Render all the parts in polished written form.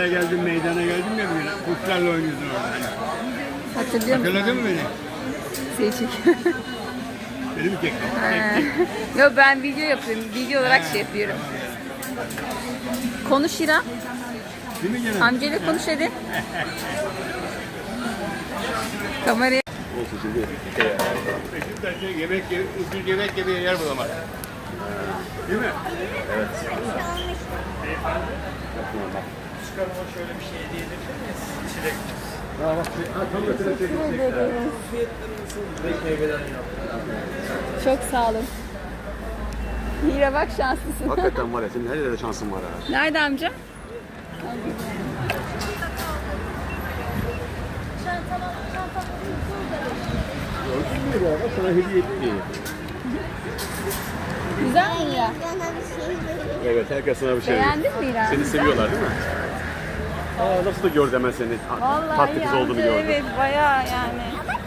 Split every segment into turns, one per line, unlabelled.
Şuraya geldim, meydana geldim ya bugün. Kuşlarla oynuyordun orada.
Hatırlıyor musun?
Hatırladın mı beni?
Seni çek.
Beni mi çektin?
Yok ben video yapıyorum. Video olarak şey yapıyorum. Konuş İrem.
Değil mi canım?
Amcayla konuş hadi. Kameraya.
Olsun şimdi. Beşiktaş'ta ucuz yemek yemeye yer bulamaz. Değil mi?
Evet.
Çıkarıma şöyle bir şey hediye edebilir miyiz? Çilek. Fiyatları nasıl? Beş meyveden yaptım.
Çok sağ olun. Mira bak şanslısın.
Hakikaten var ya, senin her yerde şansın var ha.
Nerede amca?
Gördün mü ya? Bak sana hediye etti.
Güzel mi Mira?
Evet, herkes sana bir şey veriyor.
Beğendin mi İrem?
Seni seviyorlar değil mi? Aa, nasıl da gördü hemen seni.
Vallahi
Tatlı kız
amca,
olduğunu gördü.
evet bayağı yani.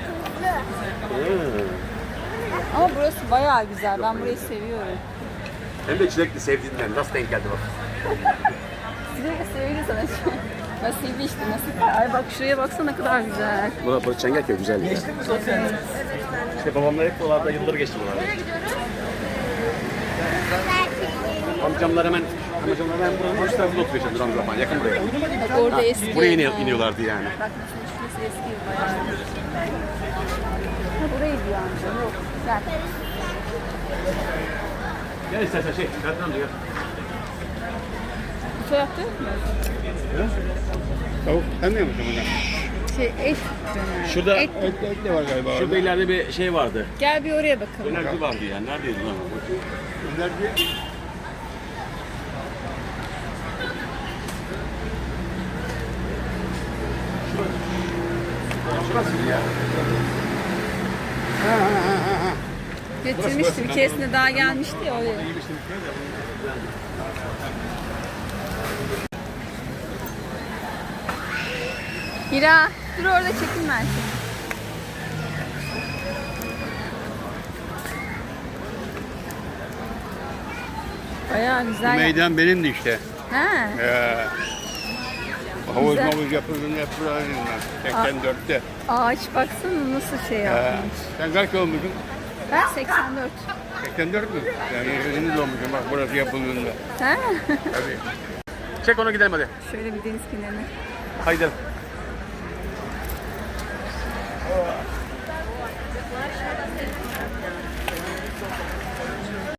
Hmm.
Ama burası bayağı güzel. Ben burayı seviyorum.
Hem de çilekli, sevdiğinden. Nasıl denk geldi bak.
Sürekli söyledi sana şu. Nasibi işte nasip. Ay bak şuraya baksana ne kadar güzel.
Burası Çengelköy güzel ya. İşte babamla hep buralarda yıllar geçti buralarda. Amcamlar hemen buranın üst tarafında oturuyor işte duran zaman, yakın buraya.
Bak orada eski.
Buraya
ev.
iniyorlardı yani.
Bak mesela şurası eski ev bayağı. Ha burayı diyor amca. Yok. Gel.
Gel istersen Serkan amca gel.
Bu tarafta mı?
Tavuk tanıyor musun bunu?
Et döner.
Şurada,
Et.
Et de var galiba
şurada
orada.
ileride bir şey vardı.
Gel bir oraya bakalım.
Dönerci vardı yani. Neredeydi lan?
Nerede?
Şurası ya.
Getirmişti bir keresinde daha gelmişti ya oraya. Hira dur orada çekinme. Bayağı
Bu
güzel.
meydan benimdi işte.
Ha.
Havuz
Güzel.
mavuz yapıldığında hep buradaydım ben. 84'te.
Ağaç baksana nasıl şey yapmış.
Sen kaç olmuşsun?
Ben 84.
84 mü? Yani yeni doğmuşsun bak burası yapıldığında.
Ha?
Tabii.
Çek onu gidelim hadi.
Şöyle bir deniz kenarına.
Haydi.